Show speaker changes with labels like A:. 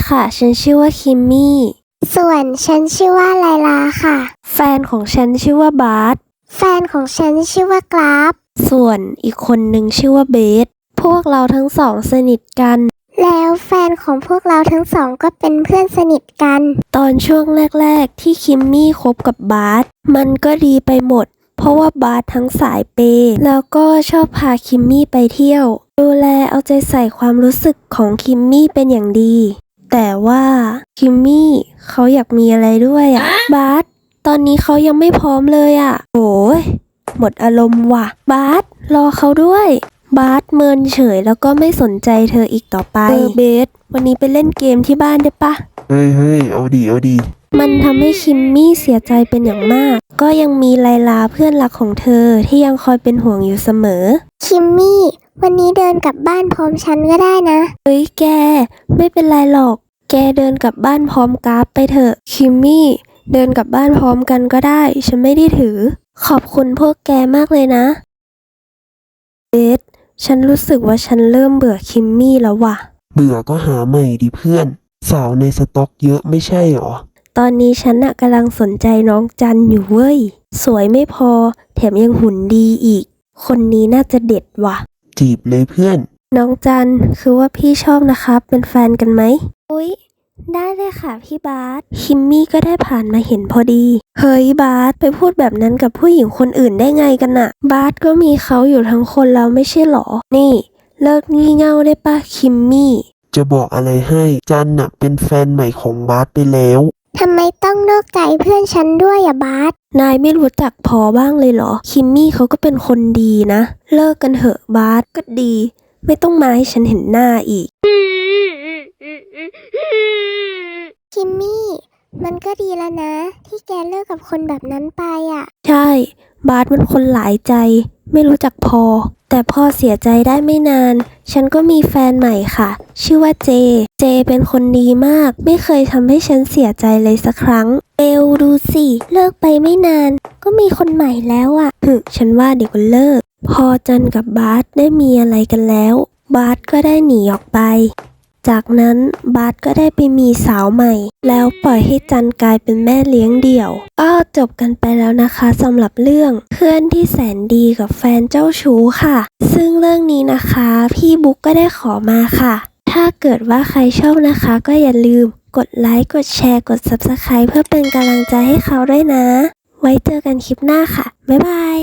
A: ค่ะฉันชื่อว่าคิมมี่
B: ส่วนฉันชื่อว่าไลลาค่ะ
A: แฟนของฉันชื่อว่าบาส
B: แฟนของฉันชื่อว่ากราฟ
A: ส่วนอีกคนหนึ่งชื่อว่าเบสพวกเราทั้งสองสนิทกัน
B: แล้วแฟนของพวกเราทั้งสองก็เป็นเพื่อนสนิทกัน
A: ตอนช่วงแรกๆที่คิมมี่คบกับบาสมันก็ดีไปหมดเพราะว่าบาสทั้งสายเปย์แล้วก็ชอบพาคิมมี่ไปเที่ยวดูแลเอาใจใส่ความรู้สึกของคิมมี่เป็นอย่างดีแต่ว่าคิมมี่เขาอยากมีอะไรด้วยบาสตอนนี้เขายังไม่พร้อมเลยโอ้ยหมดอารมณ์ว่ะบาสรอเขาด้วยบาสเมินเฉยแล้วก็ไม่สนใจเธออีกต่อไปเบสวันนี้ไปเล่นเกมที่บ้านได้ปะ
C: เฮ้ยเอาดี
A: มันทำให้คิมมี่เสียใจเป็นอย่างมากก็ยังมีไลลาเพื่อนรักของเธอที่ยังคอยเป็นห่วงอยู่เสมอ
B: คิมมี่วันนี้เดินกลับบ้านพร้อมฉันก็ได้นะ
A: เฮ้ยแกไม่เป็นไรหรอกแกเดินกลับบ้านพร้อมกราฟไปเถอะคิมมี่เดินกลับบ้านพร้อมกันก็ได้ฉันไม่ได้ถือขอบคุณพวกแกมากเลยนะเบสฉันรู้สึกว่าฉันเริ่มเบื่อคิมมี่แล้วว่ะ
C: เบื่อก็หาใหม่ดิเพื่อนสาวในสต็อกเยอะไม่ใช่หรอ
A: ตอนนี้ฉันกำลังสนใจน้องจันอยู่เว้ยสวยไม่พอแถมยังหุ่นดีอีกคนนี้น่าจะเด็ดว่ะ
C: จีบเลยเพื่อน
A: น้องจันคือว่าพี่ชอบนะครับเป็นแฟนกันไหมอุ๊ยได้เลยค่ะพี่บาสคิมมี่ก็ได้ผ่านมาเห็นพอดีเฮ้ยบาสไปพูดแบบนั้นกับผู้หญิงคนอื่นได้ไงกันน่ะบาสก็มีเขาอยู่ทั้งคนแล้วไม่ใช่หรอนี่เลิกงี่เง่าได้ปะคิมมี่
C: จะบอกอะไรให้จันเป็นแฟนใหม่ของบาสไปแล้ว
B: ทำไมต้องนอกใจเพื่อนฉันด้วยบาส
A: นายไม่รู้จักพอบ้างเลยเหรอคิมมี่เขาก็เป็นคนดีนะเลิกกันเถอะบาสก็ดีไม่ต้องมาให้ฉันเห็นหน้าอีก
B: คิมมี่มันก็ดีแล้วนะที่แกเลิกกับคนแบบนั้นไป
A: ใช่บาสมันคนหลายใจไม่รู้จักพอแต่พอเสียใจได้ไม่นานฉันก็มีแฟนใหม่ค่ะชื่อว่าเจเป็นคนดีมากไม่เคยทำให้ฉันเสียใจเลยสักครั้งดูสิเลิกไปไม่นานก็มีคนใหม่แล้วฉันว่าเดี๋ยวก็เลิกพอจันกับบาสได้มีอะไรกันแล้วบาสก็ได้หนีออกไปจากนั้นบาสก็ได้ไปมีสาวใหม่แล้วปล่อยให้จันกลายเป็นแม่เลี้ยงเดี่ยวก็จบกันไปแล้วนะคะสำหรับเรื่องเพื่อนที่แสนดีกับแฟนเจ้าชู้ค่ะซึ่งเรื่องนี้นะคะพี่บุ๊กก็ได้ขอมาค่ะถ้าเกิดว่าใครชอบนะคะก็อย่าลืมกดไลค์กดแชร์กด Subscribe เพื่อเป็นกำลังใจให้เขาด้วยนะไว้เจอกันคลิปหน้าค่ะบ๊ายบาย